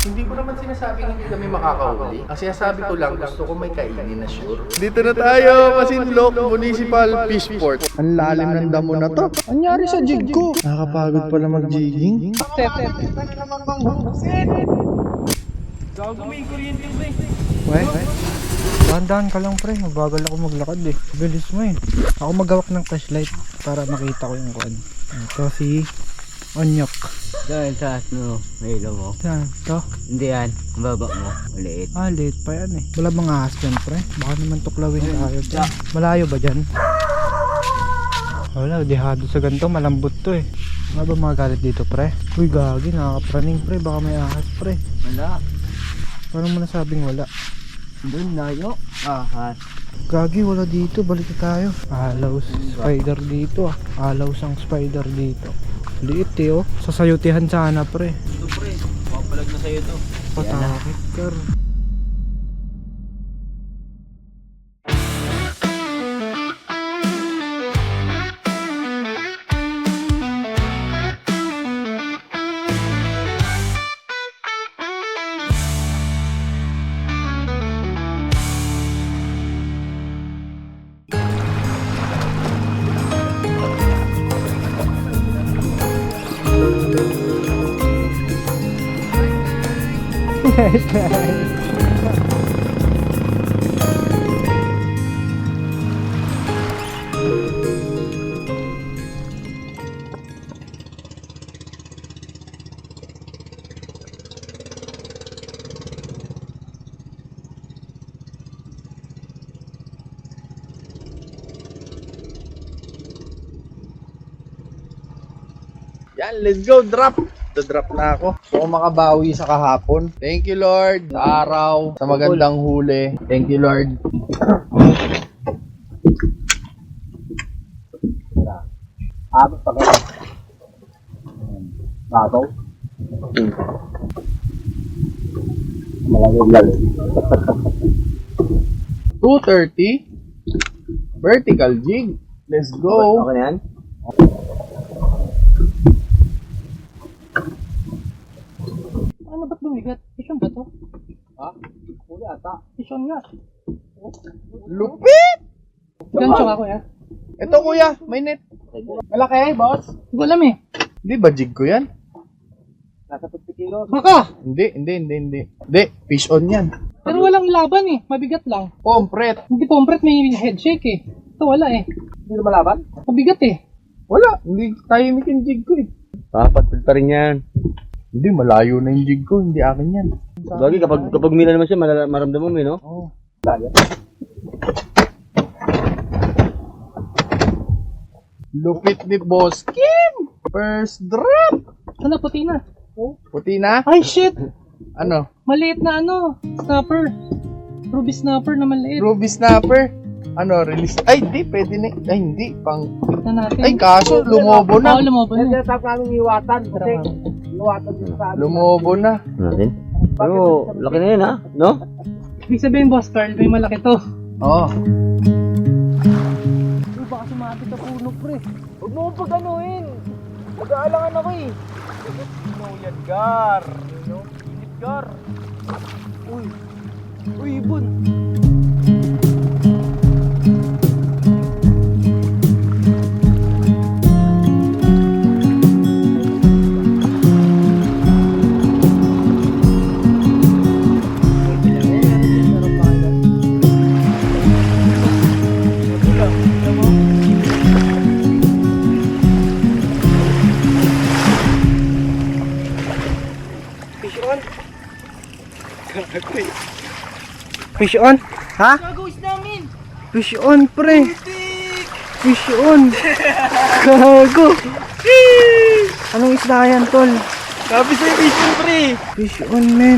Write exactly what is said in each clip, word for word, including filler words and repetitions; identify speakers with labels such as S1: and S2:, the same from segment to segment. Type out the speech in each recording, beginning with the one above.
S1: Hindi ko naman sinasabing hindi kami makakahuli. Ang sinasabi ko lang, gusto ko may kainin na sure.
S2: Dito na tayo, Masinloc Municipal Fishport. Ang lalim ng damo na to. Anyari sa jig ko? Nakakapagod pala mag-jigging.
S3: Gago, may kuryente pre.
S2: Weh? Dahan-dahan ka lang pre, mabagal ako maglakad eh. Bilis mo eh. Ako maghawak ng flashlight para makita ko yung kuan. Ito si Onyok.
S4: Dahil sa ano, may ilo mo.
S2: Yan, ito.
S4: Hindi yan, ang baba mo, maliit.
S2: Ah, late pa yan eh. Wala bang ahas dyan pre? Baka naman tuklawin tayo dyan. Malayo ba dyan? Wala, dihado sa ganito, malambot to eh. Ano ba mga galit dito pre? Uy gagi, nakakapraning pre, baka may ahas pre.
S4: Wala.
S2: Paano mo nasabing wala?
S4: Doon layo. Ahas.
S2: Gagi, wala dito, balik na tayo. Alaw spider dito ah. Alaw sang spider dito. Liit eh oh. Sasayutihan sana pre.
S3: Ito pre, papalag na sa'yo to.
S2: Patakit kar.
S1: Yan, let's go, drop! Drop na ako. So, kung makabawi sa kahapon. Thank you, Lord. Sa araw, sa magandang huli. Thank you, Lord.
S4: Abot pa ka. Babaw. Malagog lalo.
S1: two thirty. Vertical jig. Let's go.
S4: Okay na yan?
S3: Ano ba't bumigat? Isyon ba to?
S4: Ha? Huli ata.
S3: Isyon nga.
S1: Lupit!
S3: Gancho ako ya.
S1: Ito, kuya. May net.
S3: Malaki, boss. Hindi ko alam eh.
S1: Hindi ba jig ko yan?
S4: Nasa fifty kilos.
S3: Baka!
S1: Hindi, hindi, hindi, hindi. Hindi, fish on yan.
S3: Pero walang laban eh. Mabigat lang.
S1: Pompret.
S3: Hindi pompret, may head shake eh. Ito wala eh.
S4: Hindi na malaban?
S3: Mabigat eh.
S1: Wala. Hindi tayo mikin jig ko eh.
S4: Dapat pa rin yan.
S1: Hindi, malayo na yung jig ko. Hindi akin yan.
S4: Bagay, kapag, kapag mila naman siya, malala- maramdaman mo eh, no?
S1: Oo. Lupit ni Boss Kim! First drop!
S3: Sana puti na.
S1: Puti na?
S3: Ay shit!
S1: Ano?
S3: Maliit na ano. Snapper. Ruby snapper na maliit.
S1: Ruby snapper? Ano, release? Ay, hindi. Pwede na. Ay, hindi. Pang...
S3: Na natin.
S1: Ay, kaso, lumobo
S3: Oo,
S1: na.
S3: lumobo na.
S4: Tinatap namin iwatan kasi iwatan din sa
S1: Lumobo na.
S4: natin. Pero, laki na yun ha? No?
S3: Ibig sabihin, boss Carl, may malaki to.
S1: Oo.
S3: Uy, baka sumabit sa puno, pre.
S4: Huwag mo kong pag-anuin. Mag-aalangan ako eh.
S3: No, Edgar. No, Edgar. Uy. Uy, ibon.
S2: Fish on? Ha?
S3: Gagawis namin.
S2: Fish on pre. Fish on. Gago. Anong isda yan tol?
S3: Sabi sa'yo, vision, pre.
S2: Fish on men.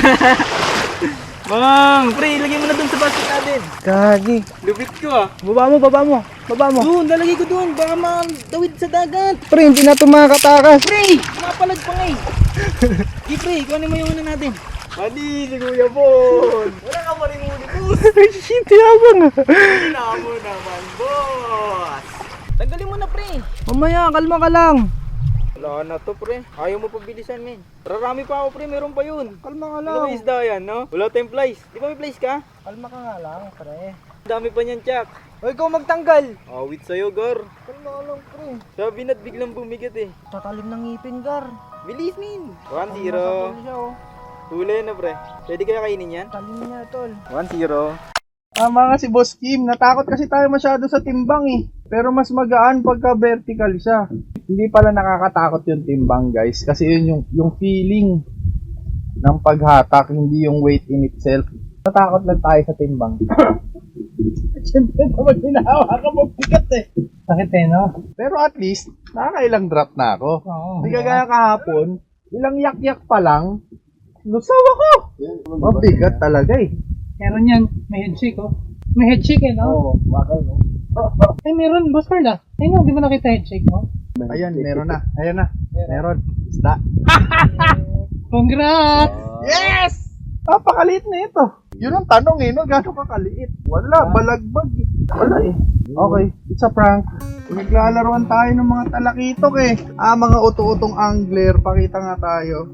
S3: Bang, pre, ilagay mo na dun sa basket natin.
S2: Gagi.
S3: Lupit ko ah.
S2: Baba mo, baba mo. Baba mo.
S3: Doon, lalagay ko doon. Baka matawid sa dagat.
S2: Pre, hindi na ito makakatakas.
S3: Pre, mapalag pa nga eh. Di pre, kunin mo yung ano natin.
S1: Mali, si Kuya Bon.
S3: Wala ka pa rin muli, boss.
S2: Shit, yabang ah.
S3: Wala mo naman, boss. Tanggalin mo na, pre.
S2: Mamaya, kalma ka lang.
S1: Wala
S3: Wala na to, pre. Ayaw mo pabilisan, men. Rarami pa ako, pre. Meron pa yun.
S2: Kalma ka
S3: Ano ba isda yan, no? Wala tayong flies. Di ba may flies ka?
S2: Kalma ka nga lang, pre.
S3: Dami pa niyan, Chak.
S2: Hoy, ikaw magtanggal.
S3: Awit sa'yo, Gar.
S2: Kalma ka lang, pre.
S3: Sabi na't biglang bumigat eh.
S2: Tatalim ng ngipin, Gar.
S3: Bilis, min. one zero. Huli na, pre. Pwede kaya kainin yan?
S2: Talim niya, tol.
S3: one zero.
S1: Tama nga si Boss Kim, natakot kasi tayo masyado sa timbang eh. Pero mas magaan pagka vertical siya. Hindi pala nakakatakot yung timbang guys, kasi yun yung, yung feeling ng paghatak, hindi yung weight in itself. Natakot lang tayo sa timbang. Siyempre naman hinahawa ka mo bigat eh.
S2: Sakit eh, no?
S1: Pero at least, nakakailang drop na ako.
S2: Oo.
S1: Hindi kagaya kahapon, ilang yak-yak pa lang, lusaw ako. Mabigat talaga eh.
S2: Meron yan. May headshake, oh. May headshake, eh, no?
S1: Oo, bakal no?
S2: Ay, meron. Boss Carl, ah. Ay, no, di ba nakita headshake, mo?
S1: Ayan, meron na. Ayan na. Meron. Isda.
S2: Congrats!
S1: Yes! Napakaliit na ito. Yun ang tanong eh, no? Gano'ng kakaliit? Wala, balagbag eh. Wala eh. Okay, it's a prank. Naglalaroan tayo ng mga talakitok eh. Ah, mga uto-utong angler. Pakita nga tayo.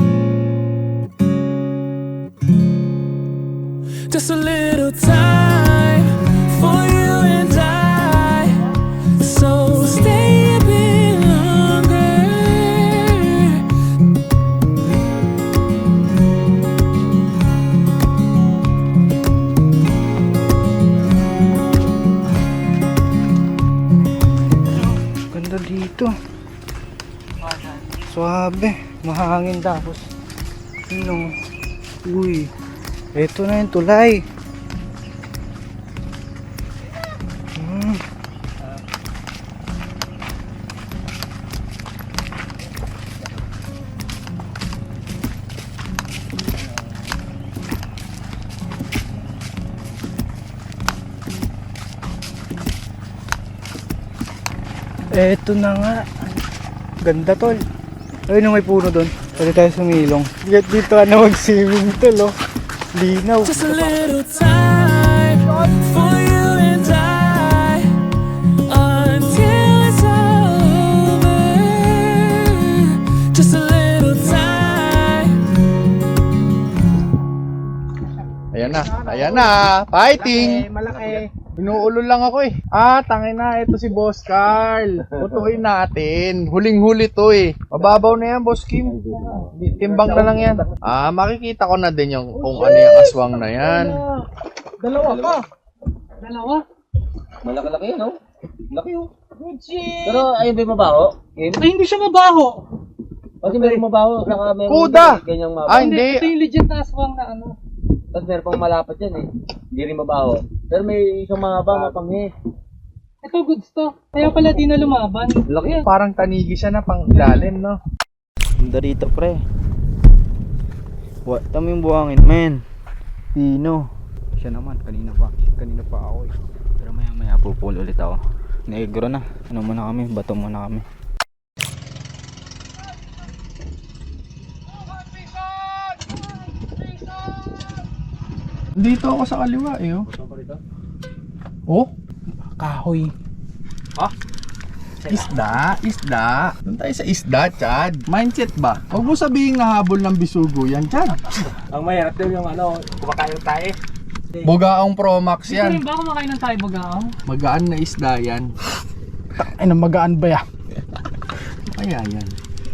S5: Just a little time for you and I. So stay a bit longer.
S2: Ganda dito. Suabe. Mahangin tapos. Ano? Uy. Ito na yung tulay. Hmm. Ito na nga. Ganda, tol. Ayun na may puno doon. Pwede tayo sumilong. Get dito ka na mag-swimming, tol, oh. Linaw.
S5: Just a little time for you and I until it's over. Just a little time.
S1: Ayan na. Ayan na. Fighting!
S2: Malaki.
S1: Inuulo lang ako eh. Ah, tangin na. Ito si Boss Carl. Putuin natin. Huling-huli to eh. Mababaw na yan, Boss Kim. Timbang na lang yan. Ah, makikita ko na din yung kung ano yung aswang na yan.
S2: Dalawa pa. Dalawa?
S3: Malaki-laki yun, no? Laki yun.
S2: Good shit.
S3: Pero ayun ba yung mabaho? Yun?
S2: Ay, hindi siya mabaho.
S3: Kasi meron mabaho, saka meron
S1: Kuda!
S3: ganyang mabaho.
S1: Ah, hindi.
S2: Ito yung legit na aswang na ano.
S3: Tapos meron pang malapat yan eh. Hindi rin mabaho. Pero may isang mahaba, mapanghi.
S2: Ito goods to. Kaya pala di na lumaban.
S3: Laki yan.
S1: Parang tanigi siya na pang ilalim, no?
S3: Ganda rito, pre. What? Tama yung buhangin, men. Pino. Siya naman, kanina pa. Kanina pa ako eh. Pero maya maya pupul ulit ako. Negro na. Ano muna kami? Bato muna kami.
S1: Dito ako sa kaliwa eh, oh. Oh?
S2: Kahoy.
S1: Isda, isda. Doon tayo sa isda, Chad. Mindset ba? Huwag mo sabihin nahabol ng bisugo yan, Chad.
S3: Ang mahirap din yung ano, kumakain tayo.
S1: Bugaong Pro Max yan.
S2: Ba kumakain ng tayo bagaong?
S1: Magaan na isda yan.
S2: Ay, nang magaan ba yan?
S1: Kaya yan.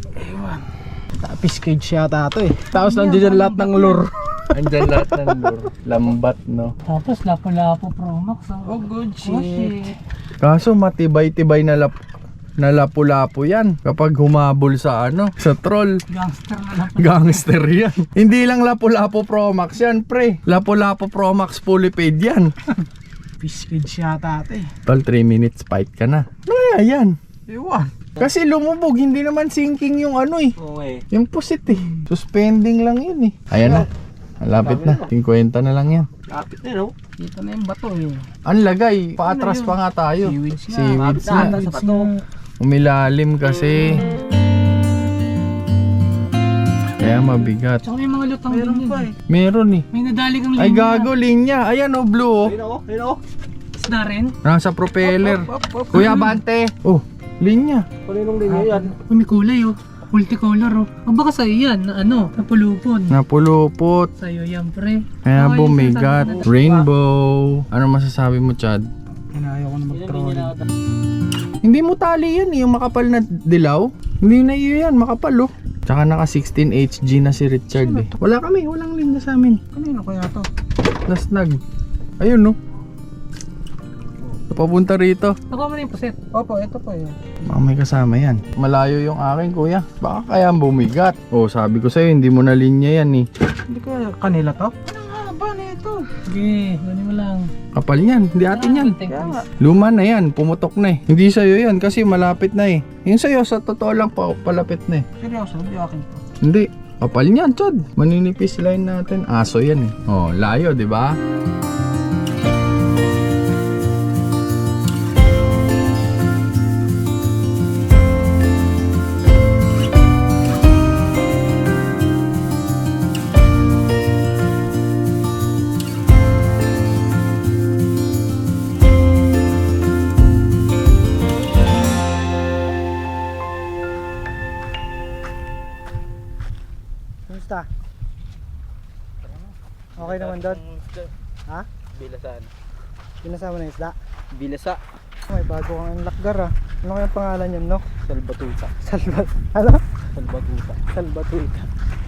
S2: Fish cage yata ito eh. Tapos nandiyan lahat ng lure.
S1: Andyan lahat ng lure. Lambat, no?
S2: Tapos lapo-lapo Pro Max. Oh, good shit.
S1: Kaso matibay-tibay na lap na lapu-lapu yan kapag humabol sa ano, sa troll.
S2: Gangster na lapo.
S1: Gangster yan. Hindi lang lapu-lapu Pro Max yan, pre. Lapu-lapu Pro Max fully paid yan.
S2: Fish cage yata ito eh.
S1: Tol, three minutes fight ka na. Ano kaya yan?
S2: Iwan.
S1: Kasi lumubog, hindi naman sinking yung ano eh.
S3: Oo eh.
S1: Yung pusit eh. Suspending lang yun eh. Ayan na. Malapit na. fifty na lang yan.
S3: Kapit na, no?
S2: Dito na yung bato eh.
S1: Ang lagay, paatras pa nga tayo.
S2: Seaweeds nga.
S1: Seaweeds
S3: Kapit na,
S1: nga.
S3: ata sa bato.
S1: Umilalim kasi. Kaya mabigat.
S2: Tsaka may mga lutang din yun eh.
S1: Meron eh.
S2: May nadali kang linya.
S1: Ay gago, linya. Ayan o, blue oh.
S3: Ayun ako, ayun ako.
S2: Isda rin.
S1: Nasa propeller. Kuya Bante. Oh, Linya.
S4: Kaninong linya yan?
S2: Oh, may kulay oh. Multicolor oh. O baka sa'yo yan, na ano, napulupon.
S1: Napulupot.
S2: Sa'yo yan, pre.
S1: Kaya
S2: Okay,
S1: bumigat.
S2: isa sa-
S1: Rainbow. Ano masasabi mo, Chad?
S2: Inayo ko na mag-trolling.
S1: Hindi mo tali yan, eh, yung makapal na dilaw. Hindi na iyo yan, makapal oh. Tsaka naka sixteen H G na si Richard eh. Wala kami, walang linya sa amin.
S2: Kanino kaya to?
S1: Nasnag. Ayun no. Papunta rito.
S2: Nakuha mo na yung puset. Opo, ito po yun.
S1: Baka may kasama yan. Malayo yung akin, kuya. Baka kaya bumigat. Oh, sabi ko sa'yo, hindi mo na linya yan eh.
S2: Hindi ko kanila to? Ano nga ba na ito? Sige, gano'n mo lang.
S1: Kapal yan, hindi atin yan.
S2: Kaya nga.
S1: Luma na yan, pumutok na eh. Hindi sa'yo yan kasi malapit na eh. Yung sa'yo, sa totoo lang pa, palapit na eh.
S2: Seryoso, hindi akin to.
S1: Hindi. Kapal niyan, Chad. Maninipis line natin. Aso yan eh. Oh, layo, di ba?
S2: Kumusta? Okay naman doon? Ha?
S3: Bilasan.
S2: Pinasama na yung isda?
S3: Bilasa.
S2: May bago kang lakgar ah. Ano kayang pangalan niyan, no?
S3: Salbatuta.
S2: Salvat. Ano?
S3: Salbatuta.
S2: Salvatuita.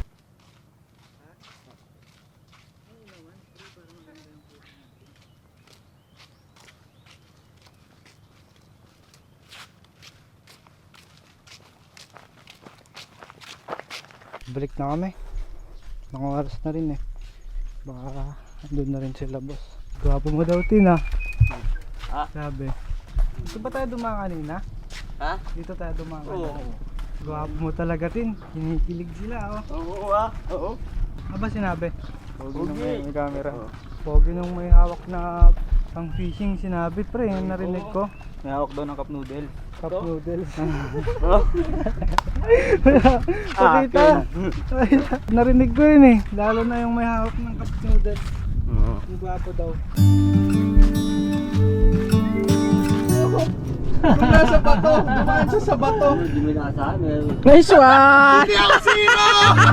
S2: Balik na kami. Mga oras na rin eh. Baka doon na rin sila boss. Gwapo mo daw tin ah.
S3: Ah?
S2: Sabi. Dito ba tayo dumaan kanina?
S3: Ha?
S2: Dito tayo dumaan kanina.
S3: Oo.
S2: Gwapo mo talaga tin. Kinikilig sila oh.
S3: Oo ah. Oo.
S2: Ano ba sinabi? Pogi nung
S3: Pogi.
S2: may, may camera.
S3: Oo.
S2: Pogi nung may hawak na pang fishing sinabi pre. Yung narinig ko.
S3: May hawak daw ng cup noodle.
S2: Cup noodles.
S3: Oh.
S2: Pakita. Narinig ko yun eh. Lalo na yung may hawak ng cup noodles.
S3: Oo.
S2: Yung gwapo daw.
S1: Wala sa bato. Dumaan siya sa bato.
S2: Nice one!
S1: Hindi ako sino!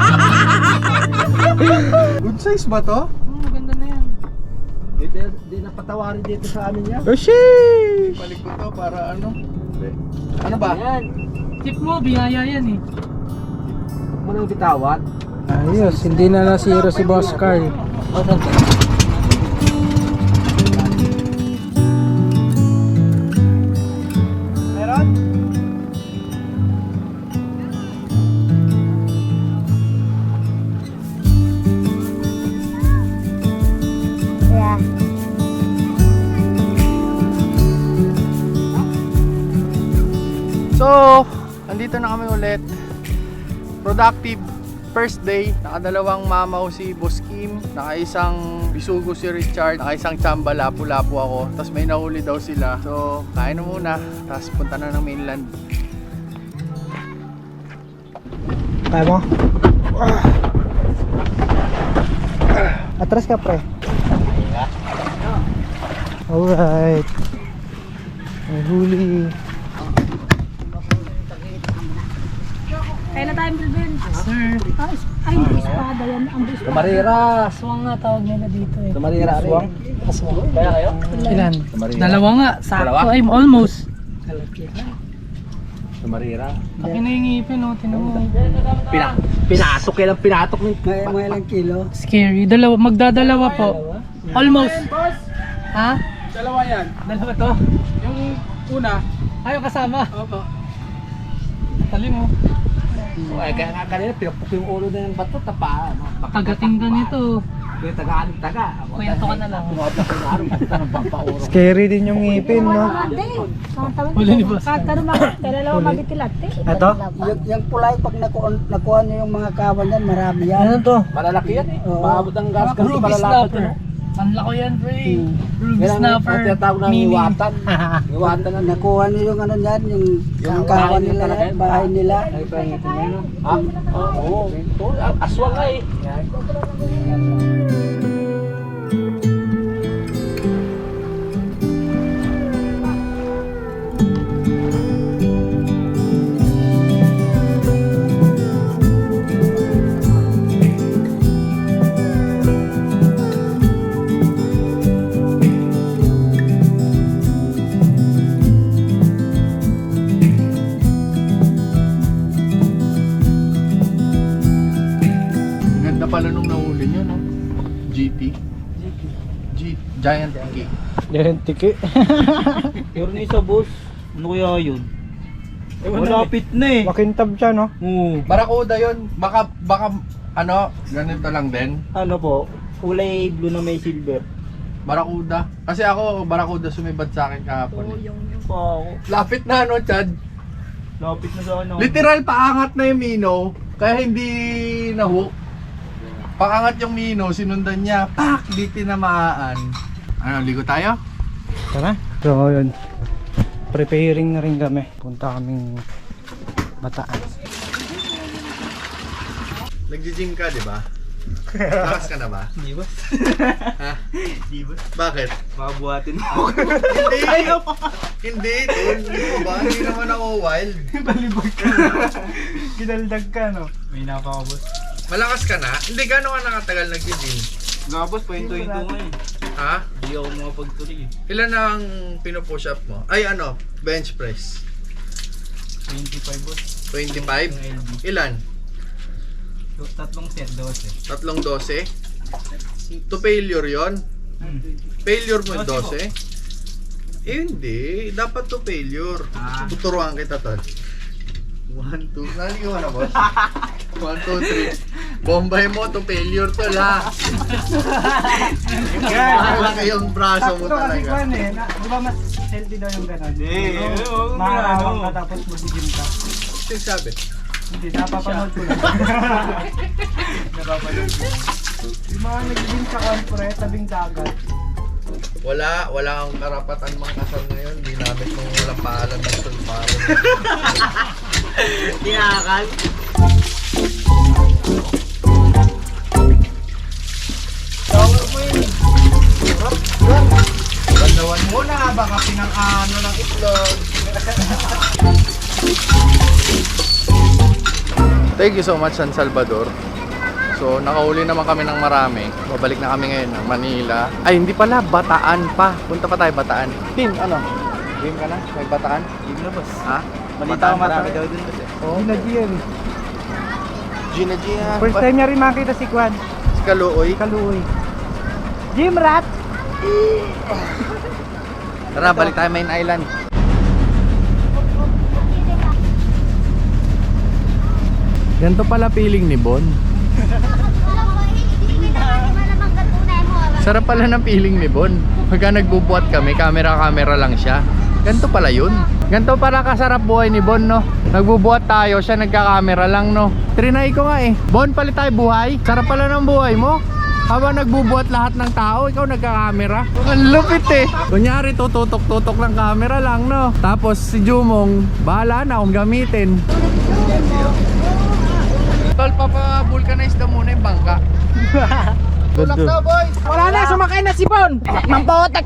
S1: Good size ba to?
S2: Oh, maganda na yan.
S4: Dito, di napatawarin dito sa amin yan.
S1: Oh, sheesh! Balik ko to para ano? Ano ba?
S4: Yan.
S2: Tip mo, biyaya yan eh.
S4: Huwag mo nang bitawan.
S2: Ayos, hindi na nasiro si Boss Carl.
S1: Meron? So, andito na kami ulit. Productive first day. Nakadalawang mamaw si Boss Kim, nakaisang bisugo si Richard, nakaisang tsamba lapu-lapu ako. Tapos may nahuli daw sila. So, kain na muna. Tapos punta na ng mainland.
S2: Kaya mo? Atras ka pre. Alright. May huli.
S6: Kaya na tayo bilbil.
S2: Sir.
S6: Ah, is- ay, hindi espada yan. Ang espada.
S4: Kamarira.
S6: Aswang nga tawag nila dito eh.
S4: Kamarira rin.
S6: Aswang.
S4: Kaya kayo?
S2: Ilan?
S4: Kamarira.
S2: Dalawa nga. Sakto.
S4: Dalawa?
S2: Ay, almost.
S4: Kamarira.
S2: Akin na yung ngipin oh. Tinan mo.
S4: Pina, pinatok yan ang pinatok ng mga ilang kilo.
S2: Scary. Dalawa. Magdadalawa po. Almost. Ha?
S1: Dalawa yan.
S2: Dalawa to?
S1: Yung una,
S2: Ayaw kasama.
S1: opo.
S2: Tali mo.
S4: Ay, kaya nga kanina pinapok yung ulo na ng bato, tapa.
S2: Tagating ka nito.
S4: Kaya tagaan taga.
S2: Kuya, to ka na lang.
S4: Tumabla ko na araw, punta ng pampauro.
S2: Scary din yung ngipin, no?
S6: Ate, ang tawag
S2: Huli ni Boss.
S6: Kahit ka rumah, kailan lang mabikilat eh.
S2: Ito?
S7: Yung, yung pulay, pag nakuha, nakuha niyo yung mga kawan yan, marami yan.
S2: Ano to?
S4: Malalaki yan eh.
S7: Oo.
S4: Maabot ang gas kasi
S2: Ruby
S4: malalapit
S2: snapper.
S4: yan.
S2: Ang lako yan, pre. Ruby
S4: Yan ang
S2: snapper.
S4: ang tinatawag ng
S2: Mini.
S4: iwatan. Iwatan na
S7: Nakuha niyo yung ano yan, yung, yung
S4: bahay
S7: kawan
S4: nila
S7: nila
S4: talaga
S7: yan,
S4: yan.
S7: bahay nila.
S4: Ay, pangitin mo yun. Ah, oo. Oo, aswang nga eh.
S1: pala nung nahuli nyo, no? G T. G Giant Cake.
S2: Yan, tiki.
S3: Pero na isa boss. Ano kaya yun? Malapit na eh.
S2: Makintab siya, no?
S3: Oo.
S1: Barakuda yun. Baka, baka, ano, ganito lang din.
S3: Ano po? Kulay blue na may silver.
S1: Barakuda. Kasi ako, barakuda sumibad sa akin kahapon. eh.
S3: yung yung pa ako.
S1: Lapit na, no, Chad?
S3: Lapit na sa ano.
S1: Literal, paangat na yung Mino. Kaya hindi na-hook. Paangat yung Mino, sinundan niya. Pak! Di tinamaan. Ano, ligo tayo?
S2: Tara. So, yun. Preparing na rin kami. Punta kaming Bataan.
S1: Nagji-gym ka, di ba? Lakas ka na ba?
S3: Di ba?
S1: Ha?
S3: Di ba?
S1: Bakit?
S3: Makabuhatin mo.
S1: Hindi! Hindi, tol. Hindi mo ba? Hindi naman ako wild.
S2: Balibag ka. Ginaldag ka, no?
S3: May napakabos.
S1: Malakas ka na? Hindi, gano'n ka nakatagal nagji-gym?
S3: Nga boss, pahinto-hinto nga eh.
S1: Ha?
S3: Hindi ako makapagtuloy eh.
S1: Ilan ang pinupush up mo? Ay, ano? Bench press.
S3: twenty-five boss.
S1: twenty-five?
S3: Yung L B.
S1: Ilan?
S3: Tatlong set, dose.
S1: Tatlong dose? To failure yon?
S3: Hmm.
S1: Failure mo yung
S3: Dose
S1: dose? Eh, hindi. Dapat to failure.
S3: Ah.
S1: Tuturuan kita, tol. one, two. Naligaw ka na, boss? one, two, three. Bombay mo to failure, tol, ha? Malaki yung braso mo
S2: Sakto kasi
S1: talaga.
S2: kwan eh. Na, di ba mas healthy daw yung gano'n?
S3: Hindi, oo,
S2: Maharawang
S3: ano.
S2: ka tapos mag-gym ka.
S1: Sino sabi?
S2: Hindi, napapanood ko lang.
S3: Napapanood ko.
S2: Yung mga nag-gym sa konpre, tabing dagat.
S1: Wala, wala kang karapatan mga kasal ngayon. Ginamit mong walang paalam ng sulparo.
S3: Tinakal.
S1: Shower mo yun. Bandawan mo na, baka pinang-ano ng itlog. Thank you so much, San Salvador. So, nakahuli naman kami ng marami. Babalik na kami ngayon ng Manila. Ay, hindi pala, Bataan pa. Punta pa tayo, Bataan. Pin, ano? Game ka na? May Bataan?
S3: Game na boss.
S1: Ha?
S3: Balita ko marami daw dun boss eh.
S2: Oh. Gina G yan.
S1: Gina Gina.
S2: First time niya rin makita si Kwan.
S1: Si Kaluoy.
S2: Kaluoy. Gym rat!
S1: Tara, balik tayo Main Island. Ganito pala feeling ni Bon. Sarap pala ng feeling ni Bon. Pagka nagbubuhat kami, camera-camera lang siya. Ganito pala yun. Ganito pala kasarap buhay ni Bon, no? Nagbubuhat tayo, siya nagka-camera lang, no? Trinay ko nga eh. Bon, palit tayo buhay. Sarap pala ng buhay mo. Habang nagbubuhat lahat ng tao, ikaw nagka-camera. Ang lupit eh. Kunyari, tututok-tutok ng camera lang, no? Tapos si Jumong, bahala na kung gamitin. Tol, papa-vulcanize na muna yung bangka. Tulak na, boy!
S2: Wala na, sumakay na si Bon! Nang botek!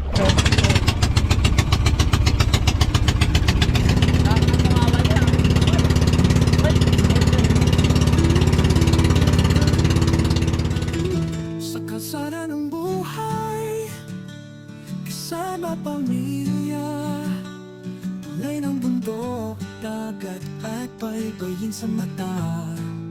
S5: Sa kalsada ng buhay, kasama pamilya, tulay ng bundok, dagat at baybayin sa mata.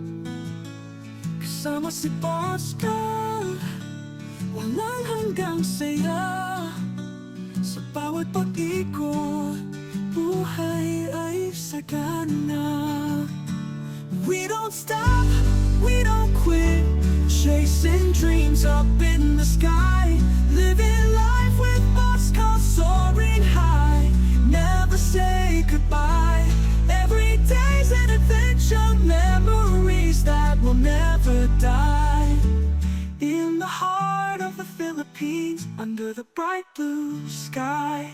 S5: Kasama si Pascal, walang hanggang saya. Sa bawat pag-ikot, buhay ay sagana. We don't stop, we don't quit, chasing dreams up in the sky, living life with Pascal soaring high. Never say goodbye. Every day's an adventure, memories that will never die. In the heart of the Philippines, under the bright blue sky.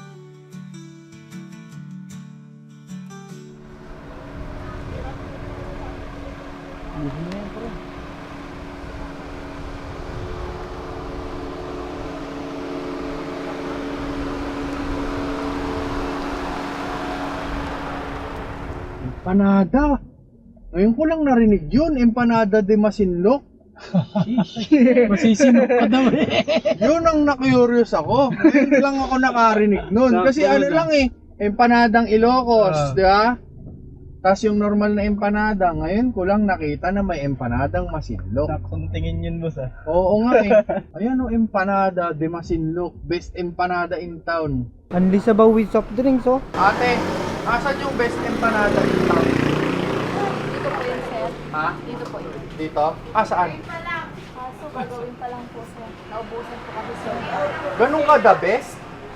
S1: Empanada. Ngayon ko lang narinig yun, Empanada de Masinloc.
S2: Masisinok ka daw eh.
S1: Yun ang na-curious ako. Ngayon lang ako nakarinig nun. Kasi ano lang eh, Empanadang Ilocos, di ba? Tapos yung normal na empanada, ngayon ko lang nakita na may empanadang masinlok.
S4: Saksong tingin yun, boss ah.
S1: Oo nga eh. Ayan o, empanada de masinlok. Best empanada in town.
S2: Unli sa with soft drinks, oh.
S1: Ate, asan yung best empanada in town?
S8: Dito po yun, sir.
S1: Ha?
S8: Dito po yun.
S1: Dito? Ah, saan?
S8: Kaso gagawin pa lang po, sir. Naubusan po kasi, sir.
S1: Ganun ka the best?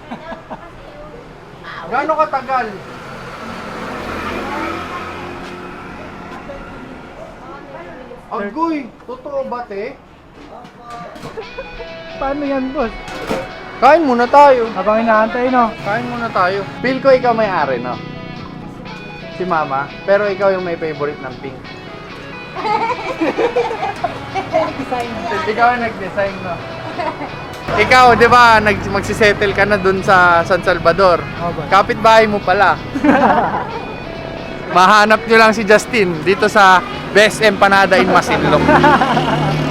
S1: Gano'ng katagal? Agoy, totoo ba te?
S2: Paano yan, boss?
S1: Kain muna tayo.
S2: Habang inaantay, no?
S1: Kain muna tayo. Feel ko ikaw may-ari, no? Si mama. Pero ikaw yung may favorite ng pink. Ikaw ang nag-design, no? Ikaw, di ba, nag magsisettle ka na dun sa San Salvador.
S2: Oh, boss.
S1: Kapitbahay mo pala. Mahanap nyo lang si Justin dito sa Best Empanada in Masinloc.